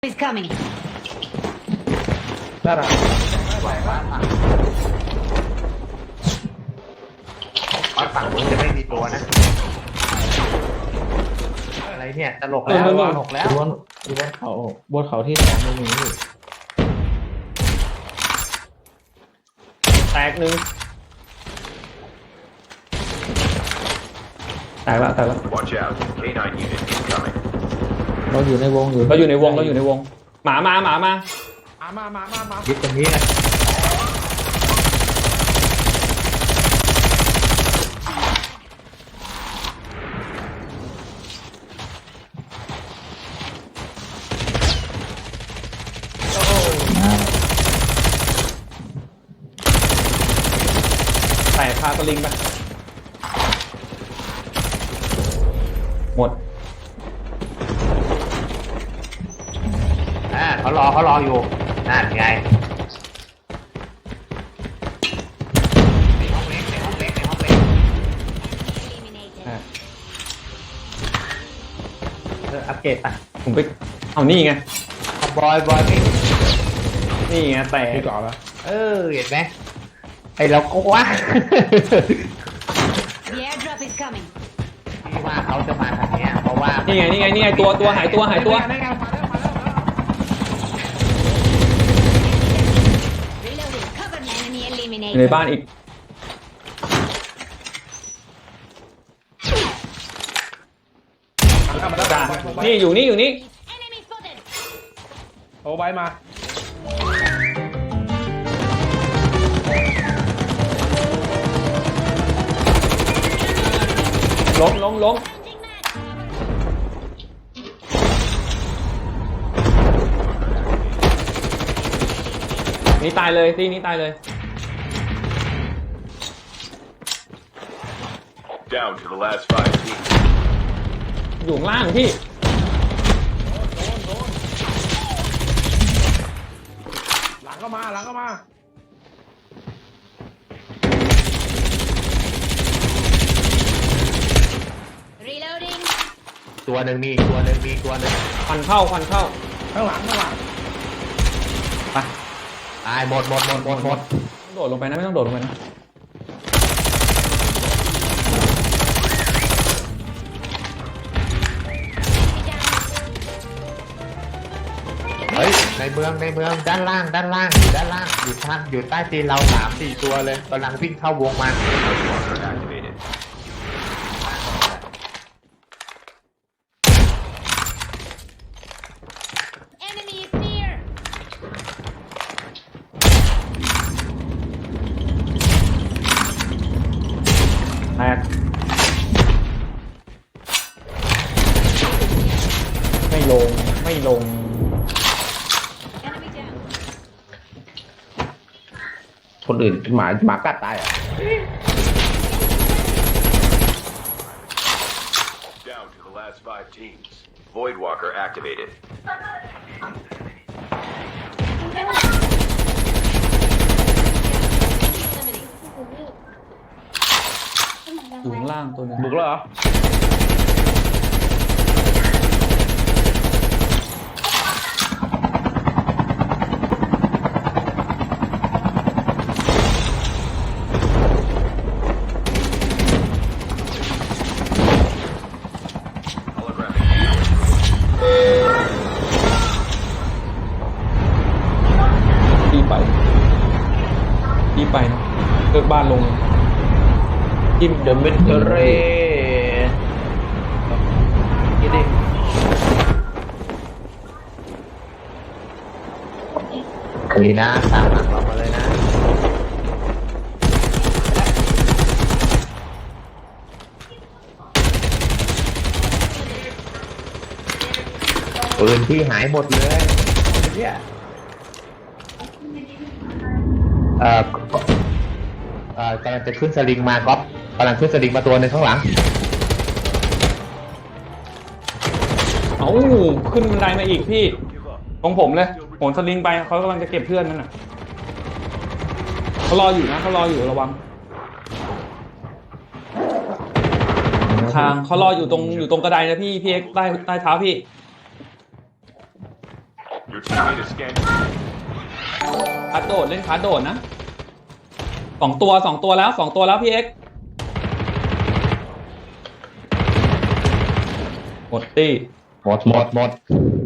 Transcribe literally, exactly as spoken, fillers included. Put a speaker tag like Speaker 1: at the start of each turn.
Speaker 1: is coming.
Speaker 2: น่ารัก
Speaker 3: วัดฝั่งมึงจะไม่มีตัวนะอะไรเนี่ยตลกแล้วตลกแล้ว
Speaker 2: บนบนเขาบนเขาที่สองไม่มีนี่
Speaker 4: แตกหนึ่งแตกแล้วแตกแล้ว
Speaker 5: Watch out. K nine unit incoming.
Speaker 2: เราอยู่ในวงอยู่
Speaker 4: เราอยู่ในวงเราอยู่ในวงหมามาหมามา
Speaker 2: มามามามา
Speaker 3: ยึดตรงนี้นะ
Speaker 4: แตกพาสลิงไปหมด
Speaker 3: อ่าเขารอเขารออยู่นั่นไงในห้องเล็กในห้องเล็กในห้องเล็ก
Speaker 1: Eliminated.
Speaker 4: อ่ะ
Speaker 3: เอออัปเกรดอ่ะ
Speaker 4: ผมไปเอานี่ไง
Speaker 3: บอยบอยไม่
Speaker 4: นี่ไงแตก
Speaker 2: ที่ก่อนแล้ว
Speaker 3: เออเห็นไหมไอเราก็ว่า
Speaker 1: The airdrop is coming.
Speaker 3: ที่ว่าเขาจะมาทางเนี้ยเพราะว่า
Speaker 4: นี่ไงนี่ไงนี่ไงตัวตัวหายตัวหายตัว
Speaker 2: ได้ไงมาแล้วมาแล้วมาแล้ว
Speaker 1: Reloading. Cover me. Enemy
Speaker 4: อยู่
Speaker 1: eliminated.
Speaker 4: ในบ้านอีก
Speaker 2: มาแล้ว
Speaker 4: จ้า
Speaker 2: มาแล้ว
Speaker 4: นี่อยู่นี่อยู่นี่
Speaker 1: Enemy spotted.
Speaker 2: โอ้ไว้มา
Speaker 4: ล้มล้มล้ม
Speaker 1: Changing mag.
Speaker 4: นี่ตายเลยตีนี้ตายเลย
Speaker 5: Down to the last five teams.
Speaker 4: อยู่ข้างล่างพี่
Speaker 2: หลังก็มาหลังก็มา
Speaker 1: Reloading.
Speaker 3: ตัวหนึ่งมีอีกตัวหนึ่งมีอีกตัวหนึ่ง
Speaker 4: ควันเข้าควันเข้า
Speaker 2: ข้างหลังข้างหลัง
Speaker 4: ไป
Speaker 3: ตายหมดหมดหมดหมดหมด
Speaker 4: โดดลงไปนะไม่ต้องโดดลงไปนะ
Speaker 3: เฮ้ยในเมืองในเมืองด้านล่างด้านล่างอยู่ด้านล่างอยู่ทางอยู่ใต้ตีนเราสามสี่ตัวเลยกำลังวิ่งเข้าวงมา
Speaker 5: Walker activated.
Speaker 1: Enemy is near.
Speaker 4: แตกไม่ลงไม่ลง
Speaker 1: Enemy down.
Speaker 2: คนอื่นหมาหมากัดตายอ่ะ
Speaker 5: Down to the last five teams. Void Walker activated.
Speaker 4: อยู่ข้างล่างตัวหนึง
Speaker 2: บุกแล้วเหรอ
Speaker 5: Holographic.
Speaker 4: พี่ไปพี่ไปนะเลิกบ้านลงจิ้ม
Speaker 2: เดอะมิดเตอร์เรยี่ดิ
Speaker 3: คุยนะตามหลังเรามาเลยนะปืนที่หายหมดเลยเนี่ยเอ่อเอ่อกำลังจะขึ้นสลิงมาก๊อฟกำลังขึ้นสลิงมาตัวหนึงข้างหลัง
Speaker 4: เอ้าขึ้นบันไดมาอีกพี่ของผมเลยโหนสลิงไปเขากำลังจะเก็บเพื่อนนั่นน่ะเขารออยู่นะเขารออยู่ระวัง ทางเขารออยู่ตรงอยู่ตรงกระไดนะพี่พี่เอ็กซ์ใต้ใต้เท้าพี่
Speaker 5: Your teammate is scanning.
Speaker 4: คาร์ดโดดเล่นคาร์ดโดดนะสองตัวสองตัวแล้วสองตัวแล้วพี่เอ็กซ์หมดตี้
Speaker 3: หมดหมดหมด